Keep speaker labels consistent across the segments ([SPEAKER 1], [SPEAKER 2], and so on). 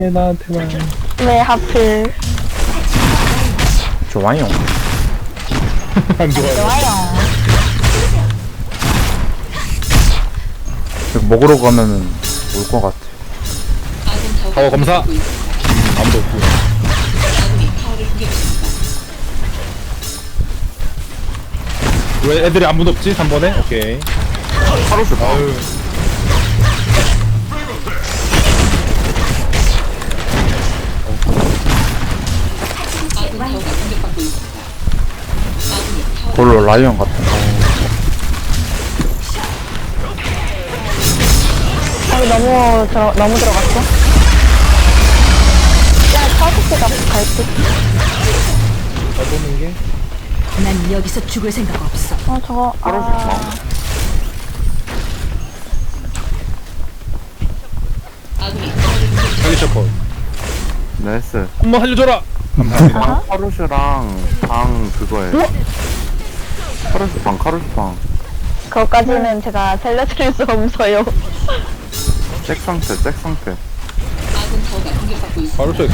[SPEAKER 1] 나한테만.
[SPEAKER 2] 왜 하필?
[SPEAKER 3] 좋아요.
[SPEAKER 1] 안 좋아요.
[SPEAKER 2] 좋아요.
[SPEAKER 3] 이거 먹으러 가면은 올 것 같아.
[SPEAKER 1] 타워 검사. 아무도 없고. 왜 애들이 아무도 없지? 3번에? 오케이.
[SPEAKER 4] 하루 슈퍼.
[SPEAKER 1] 아유.
[SPEAKER 3] 별로 라이언 같은 거.
[SPEAKER 2] 너무 들어갔어? 야, 차트가 갈게.
[SPEAKER 1] 잘 보는 게.
[SPEAKER 5] 난 여기서 죽을 생각 없어.
[SPEAKER 2] 저거,
[SPEAKER 4] 하루 슈퍼.
[SPEAKER 1] 빨리 셔퍼.
[SPEAKER 4] 나이스.
[SPEAKER 1] 한번 살려줘라. 감사합니다.
[SPEAKER 4] 카루슈랑 방 그거에. 카루슈 방, 카루슈 방.
[SPEAKER 2] 그것까지는 제가 살려드릴 수 없어요.
[SPEAKER 4] 잭 상태, 잭 상태.
[SPEAKER 1] 바로 셔.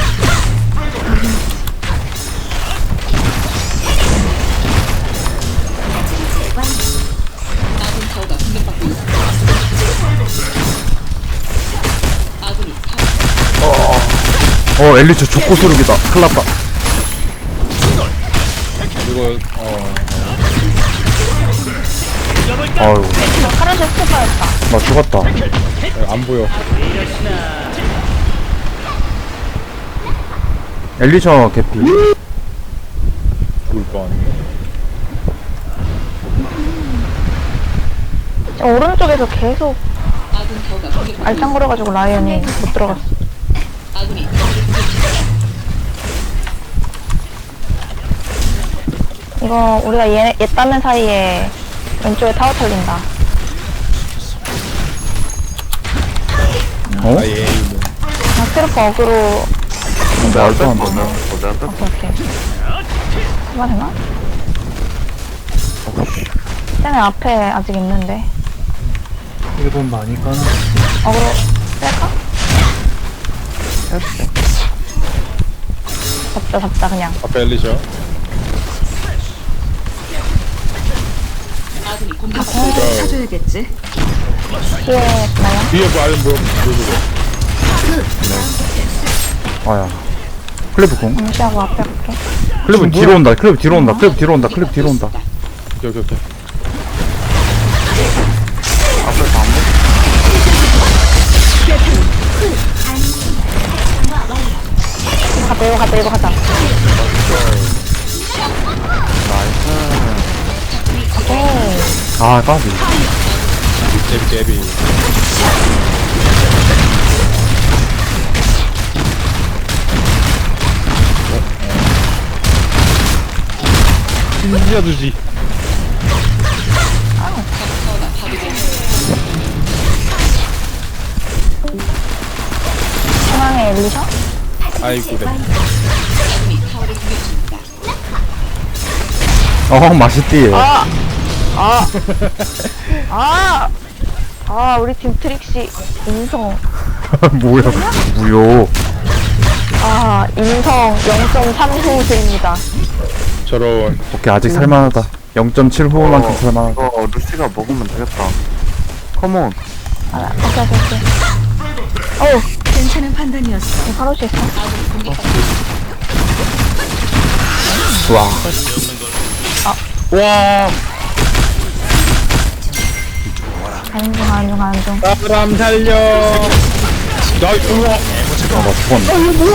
[SPEAKER 3] 엘리트 족고 소르기다. 큰일났다.
[SPEAKER 1] 이거
[SPEAKER 3] 아유,
[SPEAKER 2] 카르시 스토퍼였다.
[SPEAKER 3] 나 죽었다.
[SPEAKER 1] 안 보여.
[SPEAKER 3] 엘리셔 개피.
[SPEAKER 1] 죽을 뻔.
[SPEAKER 2] 오른쪽에서 계속 알짱거려가지고 라이언이 못 들어갔어. 이거 우리가 얘 따는 사이에 왼쪽에 타워 털린다.
[SPEAKER 3] 어?
[SPEAKER 1] 아 예.
[SPEAKER 2] 스트로퍼 어그로.
[SPEAKER 3] 말도 안 되네.
[SPEAKER 4] 내가 뺐어.
[SPEAKER 2] 오케이. 해봐 되나? 쟤네 앞에 아직 있는데.
[SPEAKER 3] 1분 많이 까나?
[SPEAKER 2] 어그로 뺄까? 잡자 그냥.
[SPEAKER 1] 앞에 엘리셔.
[SPEAKER 5] 찾아야겠지.
[SPEAKER 2] 뒤에 나요?
[SPEAKER 1] 뒤에 뭐 아는 뭐 누구고?
[SPEAKER 3] 아야. 클리브 공.
[SPEAKER 2] 무시하고 앞에 갈게.
[SPEAKER 3] 클리브 뒤로 온다. 클리브 뒤로 온다. 클리브 뒤로 온다. 클리브 뒤로 온다.
[SPEAKER 1] 오케이.
[SPEAKER 4] 앞에 방.
[SPEAKER 2] 이거 가자.
[SPEAKER 4] 나이스.
[SPEAKER 2] 오케이.
[SPEAKER 3] 아, 까비.
[SPEAKER 1] 제비. 신기하듯이.
[SPEAKER 2] 중앙에 엘리셔?
[SPEAKER 1] 아이고 네.
[SPEAKER 3] 맛있디.
[SPEAKER 2] 우리 팀 트릭시 인성.
[SPEAKER 3] 뭐야, 무효.
[SPEAKER 2] 인성 0.3호수입니다.
[SPEAKER 1] 저런.
[SPEAKER 3] 오케이, 아직 살만하다. 0.7호만큼 살만하다.
[SPEAKER 4] 이거 루시가 먹으면 되겠다. 컴온.
[SPEAKER 2] 오케이.
[SPEAKER 5] 괜찮은 판단이었어.
[SPEAKER 2] 카로시 있어.
[SPEAKER 3] 와.
[SPEAKER 1] 와.
[SPEAKER 2] 가는 중.
[SPEAKER 1] 사람 살려. 나 이거.
[SPEAKER 3] 나 죽었네.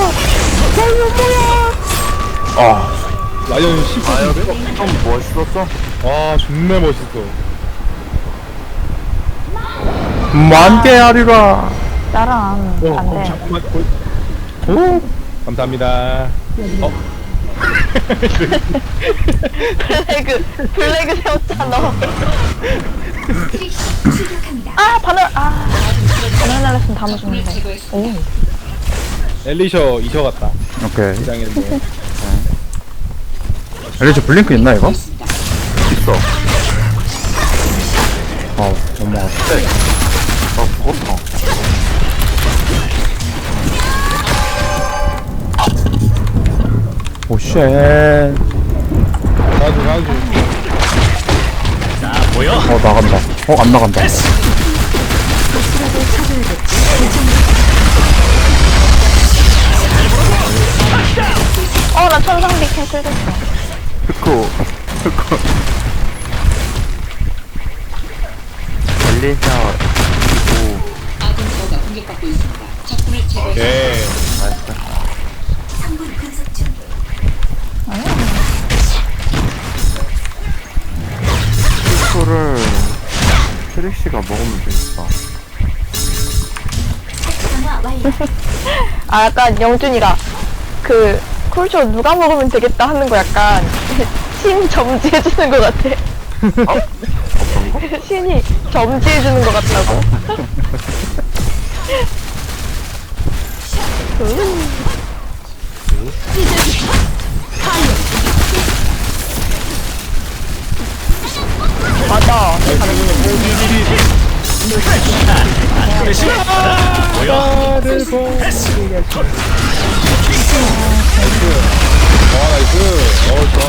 [SPEAKER 1] 라이언 10%인데?
[SPEAKER 4] 좀 멋있었어?
[SPEAKER 1] 와 정말 멋있어.
[SPEAKER 3] 만개 하리라.
[SPEAKER 2] 나랑 안 돼.
[SPEAKER 1] 잠깐만. 오. 감사합니다.
[SPEAKER 2] 블레그 세웠잖아. 바늘 날렸으면 다 맞았는데. 오.
[SPEAKER 1] 엘리셔 이셔 같다.
[SPEAKER 3] 오케이.
[SPEAKER 1] 이장인데.
[SPEAKER 3] 엘리셔 블링크 있나, 이거?
[SPEAKER 4] 있어.
[SPEAKER 3] 너무 아파.
[SPEAKER 4] 죽었어.
[SPEAKER 3] 오쉣.
[SPEAKER 1] 가야지 가야지.
[SPEAKER 3] 나간다. 안 나간다.
[SPEAKER 5] 박수라도 찾아야겠지.
[SPEAKER 2] 나 천상비 캔슬됐어.
[SPEAKER 4] 스코 엘리샤
[SPEAKER 1] 예.
[SPEAKER 4] 스코를 트릭시가 먹으면 되겠다.
[SPEAKER 2] 약간 영준이가 그 쿨쇼 누가 먹으면 되겠다 하는 거 약간 신 점지해주는 것 같아. 신이 점지해주는 것 같다고. 맞아.
[SPEAKER 1] 나를 보게 나이스. 좋아.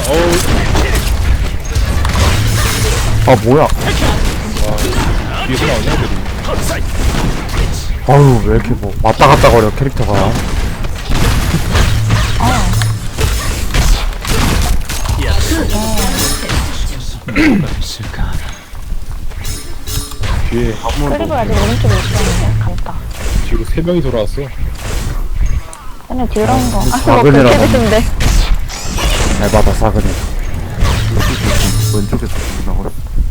[SPEAKER 3] 뭐야.
[SPEAKER 1] 뒤에서 나오냐 애들이.
[SPEAKER 3] 아유, 왜 이렇게 왔다 갔다 거려, 캐릭터가.
[SPEAKER 1] 뒤에
[SPEAKER 2] 클립을 아직 오른쪽에 있었는데 감다.
[SPEAKER 1] 뒤로 3명이 돌아왔어.
[SPEAKER 2] 근데 뒤로 한 거. 뭐
[SPEAKER 3] 작은이라고.
[SPEAKER 2] 그렇게 됐는데.
[SPEAKER 3] 에바다, 사그네.
[SPEAKER 4] 왼쪽에서 나가.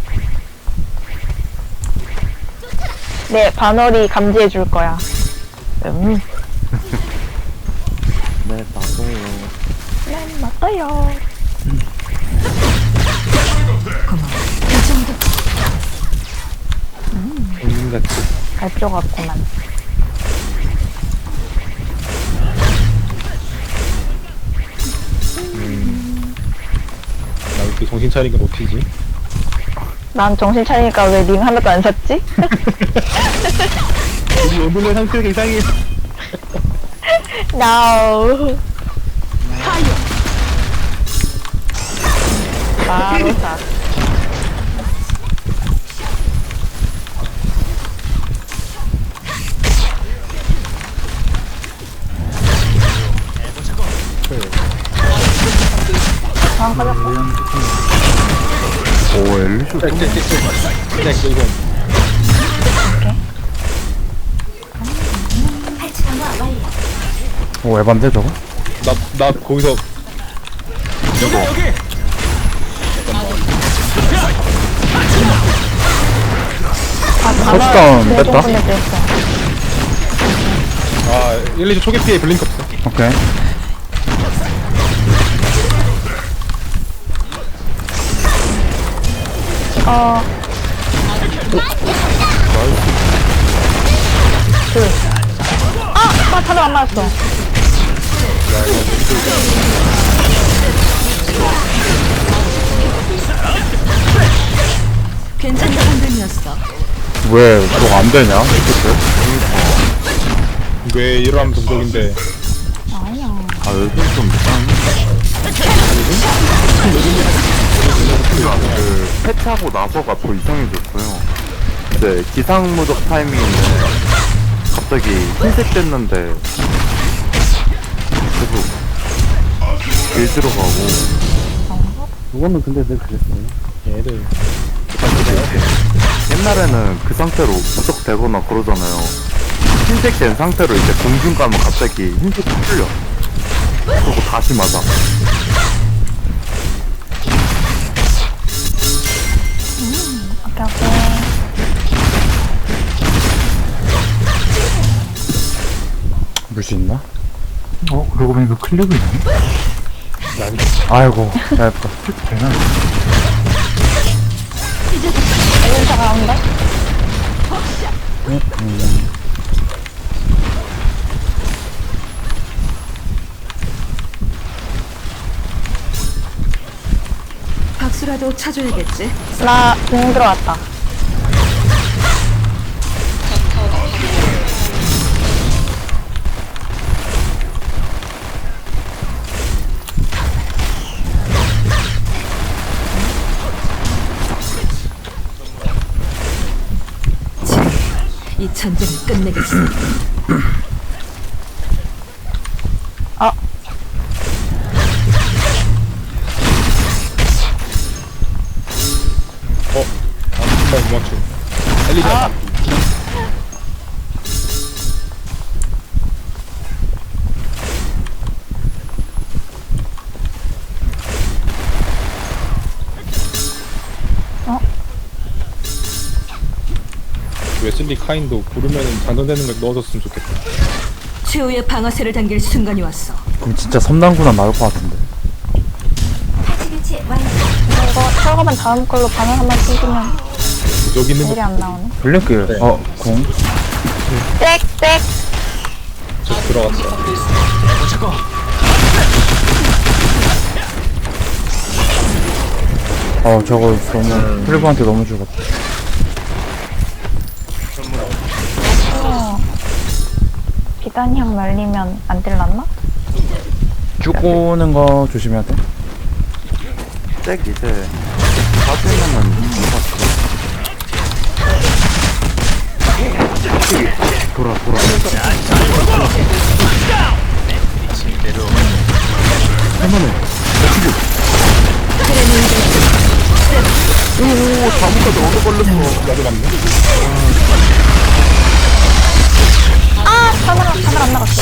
[SPEAKER 2] 네, 반월이 감지해 줄 거야.
[SPEAKER 4] 네 맞아요.
[SPEAKER 2] 네, 맞아요.
[SPEAKER 5] 고마워. 이 정도
[SPEAKER 1] 백민같이.
[SPEAKER 2] 갈표 같구만.
[SPEAKER 1] 나 이렇게 정신 차리니까 놓치지.
[SPEAKER 2] 난 정신 차리니까 왜 링 하나도 안 샀지?
[SPEAKER 1] 우리 오늘의 상태가 이상해.
[SPEAKER 2] No. 바로 사.
[SPEAKER 4] 오 엘리샤 좀
[SPEAKER 1] 이거.
[SPEAKER 3] 에반데, 저거?
[SPEAKER 1] 나 거기서
[SPEAKER 3] 터치다운 뺐다?
[SPEAKER 1] 1, 2초 초기 피해 블링크 없어.
[SPEAKER 3] 오케이.
[SPEAKER 2] 나 다들 안 맞았어.
[SPEAKER 5] 괜찮은 판단이었어.
[SPEAKER 3] 왜, 너 안 되냐?
[SPEAKER 1] 왜 이러면 동족인데.
[SPEAKER 4] 아 요즘 좀 이상해. 그 패치하고 나서가 더 이상해졌어요. 이제 기상무적 타이밍인데 갑자기 흰색 됐는데 계속 길 들어가고.
[SPEAKER 3] 그거는 근데 늘 그랬어요.
[SPEAKER 1] 얘들.
[SPEAKER 4] 옛날에는 그 상태로 무적되거나 그러잖아요. 흰색 된 상태로 이제 공중 가면 갑자기 흰색이 풀려. 그리고 다시 맞아.
[SPEAKER 2] 오케이, 오케이.
[SPEAKER 3] 물수 있나?
[SPEAKER 6] 그러고 보니까 클릭이 있네?
[SPEAKER 3] 아이고, 잘했다.
[SPEAKER 6] 되나?
[SPEAKER 2] 엘리사 가운데?
[SPEAKER 5] 박수라도 쳐줘야겠지.
[SPEAKER 2] 나공 들어왔다.
[SPEAKER 5] 전쟁을 끝내겠어.
[SPEAKER 2] 아,
[SPEAKER 1] 정말 못 맞춤. 엘리자. 웨슬리 카인도 부르면은 장전되는 걸 넣어줬으면 좋겠다.
[SPEAKER 5] 최후의 방아쇠를 당길 순간이 왔어.
[SPEAKER 3] 그럼 진짜 섬당구나 나올 것 같은데.
[SPEAKER 2] 이거 철거만 다음 걸로 반응 한번 쓰시면
[SPEAKER 1] 여기 있는
[SPEAKER 2] 일이
[SPEAKER 1] 거
[SPEAKER 2] 안 나오네.
[SPEAKER 3] 블랙길. 공.
[SPEAKER 2] 땡땡.
[SPEAKER 1] 저 들어갔어.
[SPEAKER 3] 저거 너무 클리브한테 너무 죽었다.
[SPEAKER 2] 비단형 날리면 안 들렸나?
[SPEAKER 3] 쭉 오는 거 조심해야 돼.
[SPEAKER 4] 잭 이제 빠지면은 누가 돌아
[SPEAKER 1] 나도 맞네.
[SPEAKER 2] 아, 카메라 안 나갔어.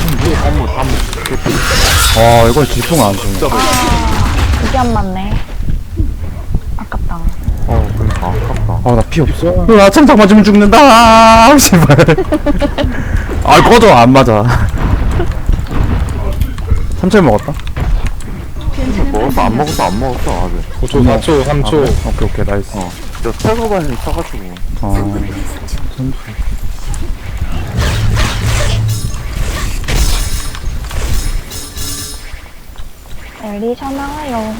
[SPEAKER 3] 이건 질풍 안 주네.
[SPEAKER 2] 이게 안 맞네. 아깝다.
[SPEAKER 4] 그러니까 아깝다.
[SPEAKER 3] 나 피 없어. 나 창작 맞으면 죽는다. 제발. 꺼져. 안 맞아. 3초 먹었다.
[SPEAKER 4] 먹었어 안 먹었어 아직
[SPEAKER 1] 5초, 4초, 3초.
[SPEAKER 3] 오케이, 나이스.
[SPEAKER 4] 저 태거반이 쳐가지고
[SPEAKER 3] 선수.
[SPEAKER 2] 엘리샤 나와요.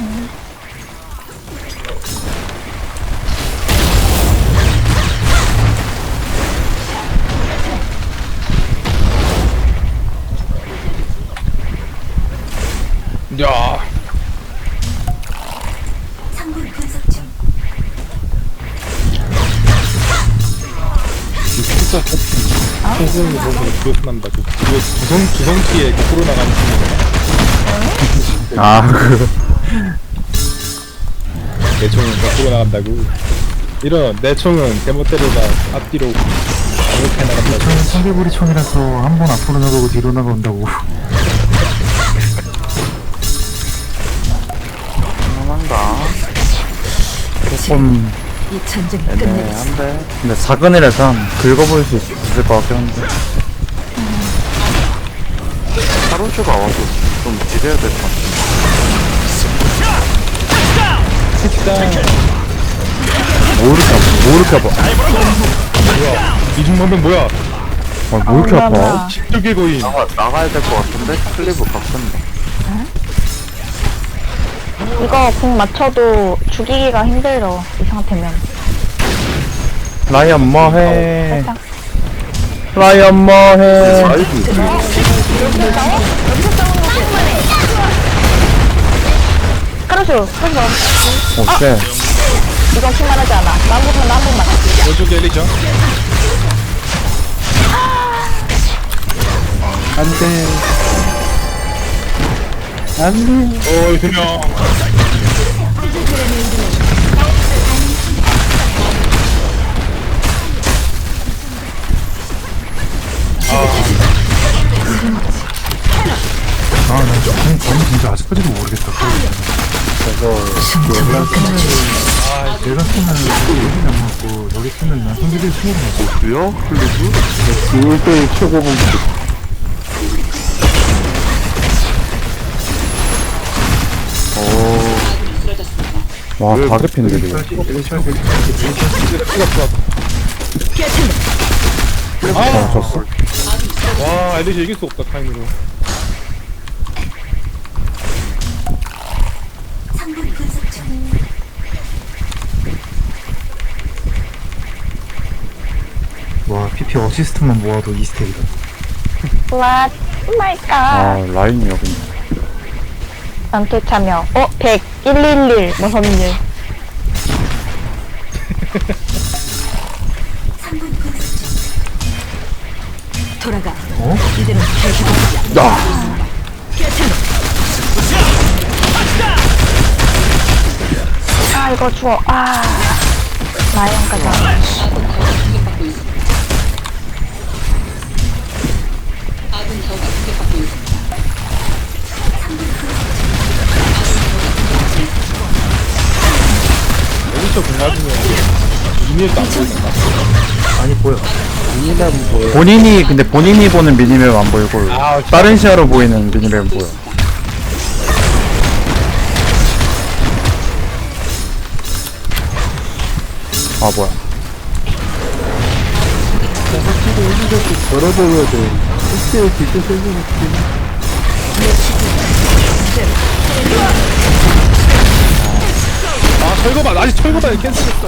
[SPEAKER 1] 야. 진짜 성공이 너무 기억난다. 그 주성키에 거꾸로 나가는 친구가 내 총은 거꾸로 나간다고. 이런 내 총은 대못대로가 앞뒤로 이렇게 나간다고.
[SPEAKER 6] 저는 청개구리 총이라서 한 번 앞으로 나가고 뒤로 나간다고.
[SPEAKER 4] 한다
[SPEAKER 3] 조금
[SPEAKER 5] 이 전쟁을 끝내겠어.
[SPEAKER 4] 애매한데
[SPEAKER 3] 근데 사근이라서 긁어볼 수 있을 것 같긴 한데.
[SPEAKER 4] 하루슈가 와서 좀 지려야 될 것 같아.
[SPEAKER 3] 뭐 이렇게 아파.
[SPEAKER 1] 뭐야? 이중만병 뭐야?
[SPEAKER 3] 뭐 이렇게 아파.
[SPEAKER 1] 십두개 거인.
[SPEAKER 4] 나가야 될 것 같은데? 클리브 바꾼다.
[SPEAKER 2] 이거 공 맞춰도 죽이기가 힘들어. 이 상태면.
[SPEAKER 3] 라이언 뭐해.
[SPEAKER 2] 살짝.
[SPEAKER 3] 라이언 뭐해.
[SPEAKER 2] 카르쇼,
[SPEAKER 3] 오케이.
[SPEAKER 2] 이건 킹만하지 않아. 한 번만.
[SPEAKER 1] 왼쪽에 엘리죠? 어이, 2명.
[SPEAKER 6] 저는 진짜 아직까지도 모르겠다. 내가 쓰면 여기 안 맞고 여기 쓰면 난 성질이 수혈을 맞고.
[SPEAKER 4] 뭐야? 클리브?
[SPEAKER 3] 1대1 최고 공격. 와, 다 개피인데, 이거. 졌어.
[SPEAKER 1] 와, 엘리시 이길 수 없다, 타임으로.
[SPEAKER 6] 와, PP 어시스트만 모아도 2스택이다.
[SPEAKER 2] What? Oh my god.
[SPEAKER 3] 라인이 여기.
[SPEAKER 2] 전투 참여. 100, 111, 뭐 선일.
[SPEAKER 5] 돌아가.
[SPEAKER 6] 어?
[SPEAKER 5] 이대로 계속
[SPEAKER 3] 야!
[SPEAKER 2] 아, 이거 주워. 아. 라이언까지.
[SPEAKER 1] 여기서 공맞으면 이미일도 안 보이나?
[SPEAKER 6] 아니 보여.
[SPEAKER 1] 이미일은 뭐예요?
[SPEAKER 3] 본인이 보는 미니맵 안 보이고,
[SPEAKER 1] 아,
[SPEAKER 3] 다른 시야로 보이는 미니맵 보여. 아, 뭐야.
[SPEAKER 1] 걸어줘야 돼. 실제 진짜 세게 아, 철거반! 아직 철거반이 캔슬했어.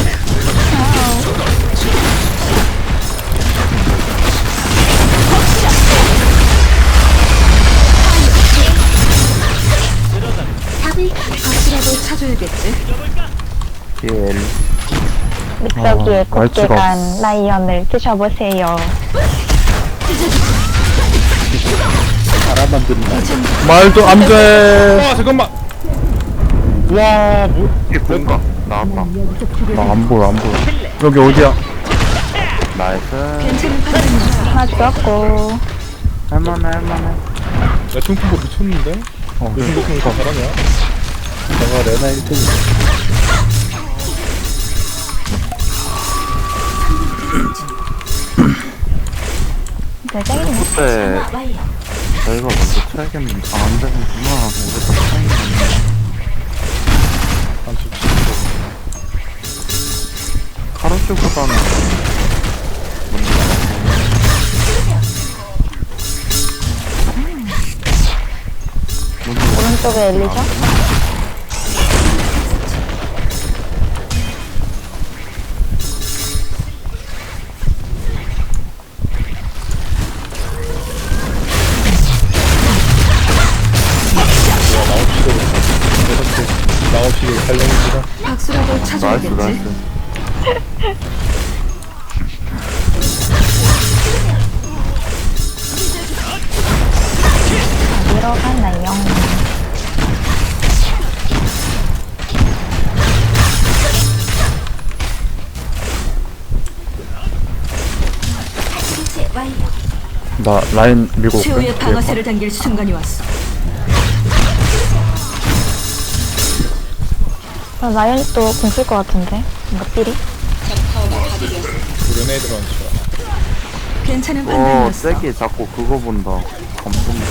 [SPEAKER 5] 박수라도 찾아야겠지.
[SPEAKER 4] 길.
[SPEAKER 2] 믹서기에 곱게
[SPEAKER 3] 말투가
[SPEAKER 2] 간 라이언을 드셔보세요.
[SPEAKER 1] 바람 만든다.
[SPEAKER 3] 말도 안 돼!
[SPEAKER 1] 와, 잠깐만! 와, 뭐.
[SPEAKER 4] 이게 뭔가? 나왔다.
[SPEAKER 3] 나 안 보여, 안 보여. 여기 어디야?
[SPEAKER 4] 나이스.
[SPEAKER 5] 괜찮은 판단이야.
[SPEAKER 2] 하나 죽었고.
[SPEAKER 4] 할만해.
[SPEAKER 1] 야, 퉁퉁보 미쳤는데? 요즘 같은 거다 잘하냐? 내가 레나 1등이야.
[SPEAKER 2] 네, 짱이네.
[SPEAKER 4] 그때 저희가 먼저 쳐야겠는데 안 되는구나. 우리 다 차이겠네.
[SPEAKER 1] 한 17초.
[SPEAKER 4] 카로슈보다는
[SPEAKER 2] 오른쪽에 엘리죠?
[SPEAKER 1] 나 없이 달려있지라.
[SPEAKER 5] 박수라도
[SPEAKER 4] 나이스
[SPEAKER 5] 찾아야겠지.
[SPEAKER 4] 나이스.
[SPEAKER 2] 어디로 가나요?
[SPEAKER 3] 나 라인 밀고 올게.
[SPEAKER 5] 최후의 방아쇠를 당길 순간이 왔어.
[SPEAKER 2] 라이언이 또 공쓸 것 같은데? 뭔가 삘이?
[SPEAKER 1] 그레네이드 런처.
[SPEAKER 5] 괜찮은
[SPEAKER 4] 오
[SPEAKER 5] 판단이었어.
[SPEAKER 4] 세게 자꾸 그거 본다. 감동다.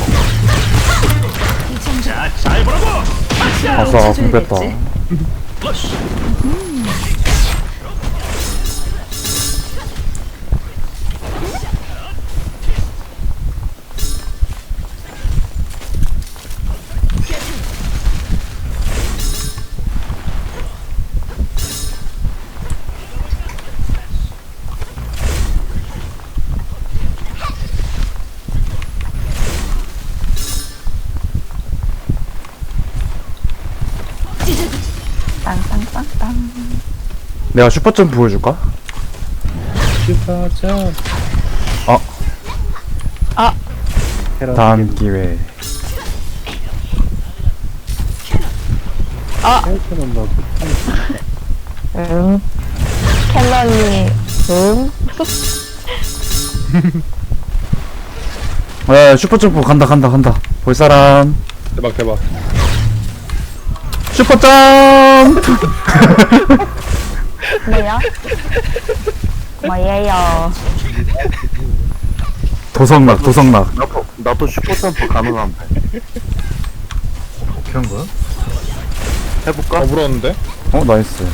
[SPEAKER 3] 아싸, 공 뺐다.
[SPEAKER 2] 땅땅땅땅.
[SPEAKER 3] 내가 슈퍼점프 보여줄까?
[SPEAKER 1] 슈퍼점.
[SPEAKER 3] 다음 기회.
[SPEAKER 2] 캔런이,
[SPEAKER 3] 야, 슈퍼점프 간다. 볼 사람.
[SPEAKER 1] 대박.
[SPEAKER 3] 슈퍼점프!
[SPEAKER 2] 뭐야? 뭐예요?
[SPEAKER 3] 도성락.
[SPEAKER 4] 나도 슈퍼점프 가능한데.
[SPEAKER 6] 어떻게 한 거야?
[SPEAKER 4] 해볼까?
[SPEAKER 1] 물었는데?
[SPEAKER 3] 어, 나이스.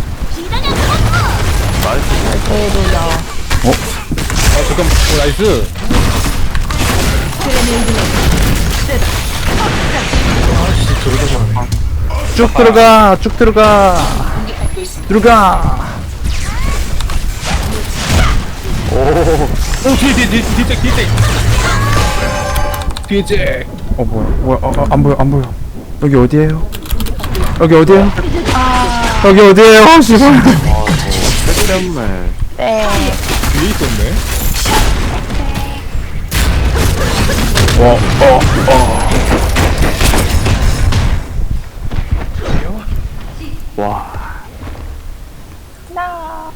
[SPEAKER 4] 나이스.
[SPEAKER 2] 그래도요.
[SPEAKER 1] 아, 잠깐만. 오, 나이스.
[SPEAKER 3] 쭉 들어가.
[SPEAKER 1] 오, 뒤에 잭.
[SPEAKER 3] 어, 뭐야. 안 보여. 여기 어디에요? 씨발.
[SPEAKER 4] 색 때문에.
[SPEAKER 2] 네.
[SPEAKER 1] 뒤에 있었네.
[SPEAKER 4] 와.
[SPEAKER 2] 나.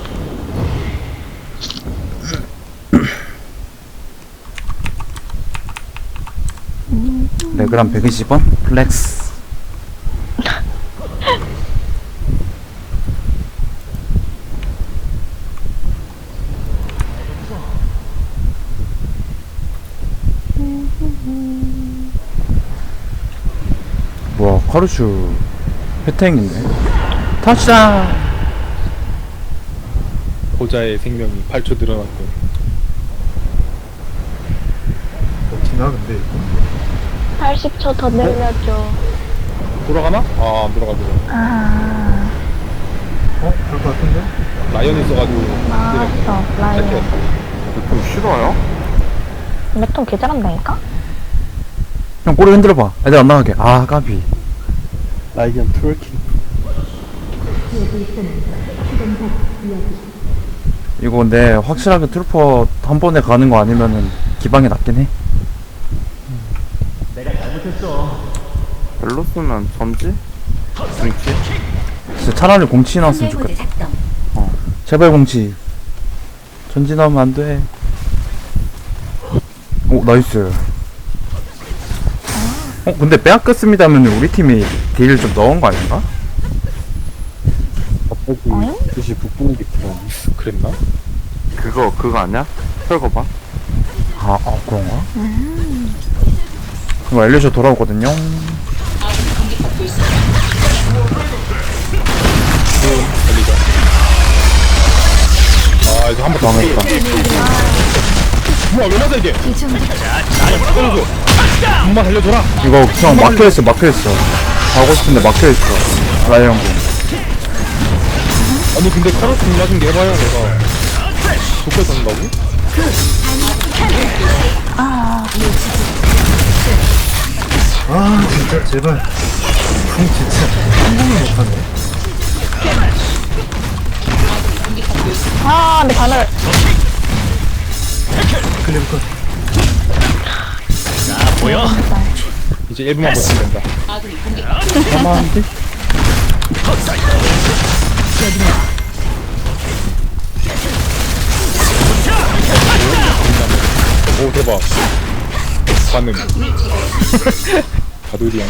[SPEAKER 3] 레그람 120원? 플렉스. 뭐야, 카루슈 회탱인데. 터치다!
[SPEAKER 1] 고자의 생명이 8초 늘어났고.
[SPEAKER 6] 지나 근데 이거
[SPEAKER 2] 80초 더 늘려줘.
[SPEAKER 1] 돌아가나? 아, 안 돌아가죠.
[SPEAKER 2] 아,
[SPEAKER 6] 갈 것 같은데?
[SPEAKER 1] 라이언 있어가지고.
[SPEAKER 2] 맞어. 라이언.
[SPEAKER 4] 좀 싫어요?
[SPEAKER 2] 몇통 개잘한다니까?
[SPEAKER 3] 형 꼬리 흔들어봐. 애들 안 나가게. 아, 까비.
[SPEAKER 1] 라이언 트월킹.
[SPEAKER 3] 이거 근데 확실하게 트루퍼 한 번에 가는 거 아니면은 기방이 낫긴 해.
[SPEAKER 4] 벨로스는 전지? 중치?
[SPEAKER 3] 진짜 차라리 공치 나왔으면 좋겠다. 제발 공치. 전지 나오면 안 돼. 오, 나이스. 근데 빼앗겼습니다 하면 우리 팀이 딜을 좀 넣은 거 아닌가?
[SPEAKER 1] 갑자기 뜻이 북부는 게 그랬나?
[SPEAKER 4] 그거 아니야? 털거봐.
[SPEAKER 3] 아, 그런가? 이거 엘리셔 돌아오거든요.
[SPEAKER 1] 아, 이거 한번
[SPEAKER 3] 망했다.
[SPEAKER 1] 뭐야, 왜 맞아, 이게? 떨어져. 정말 살려줘라.
[SPEAKER 3] 이거 그냥 막혀있어. 가고 싶은데 막혀있어. 라이언 군.
[SPEAKER 1] 아니, 근데 카로스 맞은 게 해봐야 내가. 독해 산다고?
[SPEAKER 6] 아 진짜 제발 궁 진짜 성공을 못하네.
[SPEAKER 2] 아, 근데 바늘.
[SPEAKER 6] 클리브 컷.
[SPEAKER 1] 이제 1분만 버티면 된다.
[SPEAKER 3] 가만한데?
[SPEAKER 1] 오, 대박. 반응. 가돌이양.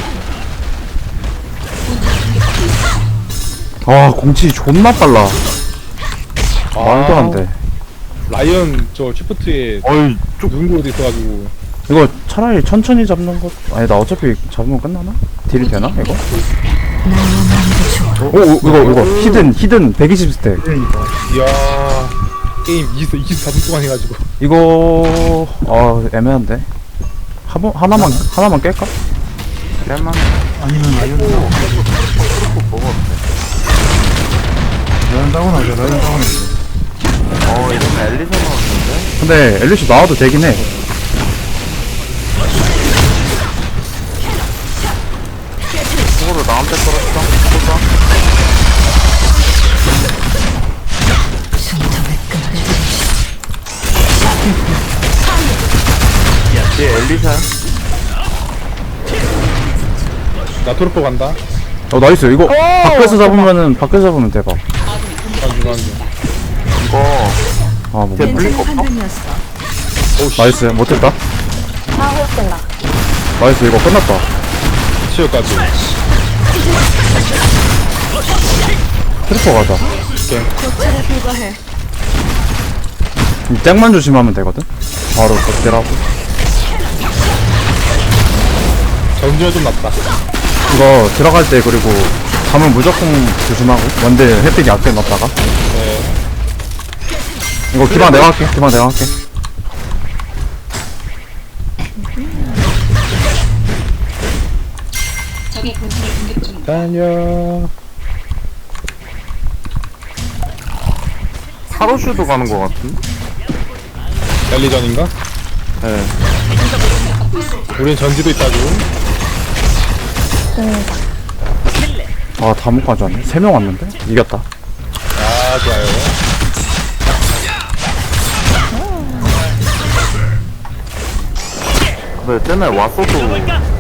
[SPEAKER 3] 아, 공치 존나 빨라. 말도 안 돼.
[SPEAKER 1] 라이언 저 쉬프트에
[SPEAKER 4] 어이,
[SPEAKER 1] 누른 곳에 있어가지고.
[SPEAKER 3] 이거 차라리 천천히 잡는 것. 아니, 나 어차피 잡으면 끝나나? 딜이 되나, 이거? 이거. 히든 120스택.
[SPEAKER 6] 그러니까
[SPEAKER 1] 이야. 게임 24분 동안 해가지고.
[SPEAKER 3] 이거, 애매한데. 하나만 깰까?
[SPEAKER 4] 깨만.
[SPEAKER 6] 아니면 라이언 다운. 라이언 다운하자. 라이언 다운하자.
[SPEAKER 4] 이러면 엘리사 나왔는데?
[SPEAKER 3] 근데 엘리시 나와도 되긴 해.
[SPEAKER 4] 그거로 나한테 떨었어? 쏘자. 얘 엘리사야?
[SPEAKER 1] 나 토르포 간다.
[SPEAKER 3] 나이스. 이거 밖에서 잡으면 대박.
[SPEAKER 4] 이거
[SPEAKER 3] 뭐.
[SPEAKER 4] 걔 물릴 거
[SPEAKER 5] 괜찮은
[SPEAKER 4] 없어?
[SPEAKER 5] 판단이었어.
[SPEAKER 3] 나이스. 못했다.
[SPEAKER 2] 아, 후욕된다.
[SPEAKER 3] 나이스. 이거 끝났다.
[SPEAKER 1] 치유까지.
[SPEAKER 3] 트리퍼 가자.
[SPEAKER 5] 차례 불과해.
[SPEAKER 3] 땡만 조심하면 되거든. 바로 극딜하고.
[SPEAKER 1] 전지가 좀 낫다.
[SPEAKER 3] 이거 들어갈 때 그리고 가면 무조건 조심하고. 원딜 햇빛 약게 넣었다가.
[SPEAKER 1] 네.
[SPEAKER 3] 이거 기방 내가 할게.
[SPEAKER 1] 달려.
[SPEAKER 4] 카로슈도 가는 거 같은데?
[SPEAKER 1] 달리전인가?
[SPEAKER 4] 네.
[SPEAKER 1] 우린 전지도 있다고.
[SPEAKER 3] 다 못 가져왔네. 3명 왔는데? 이겼다.
[SPEAKER 1] 아, 좋아요.
[SPEAKER 4] 네, 쟤네 왔어도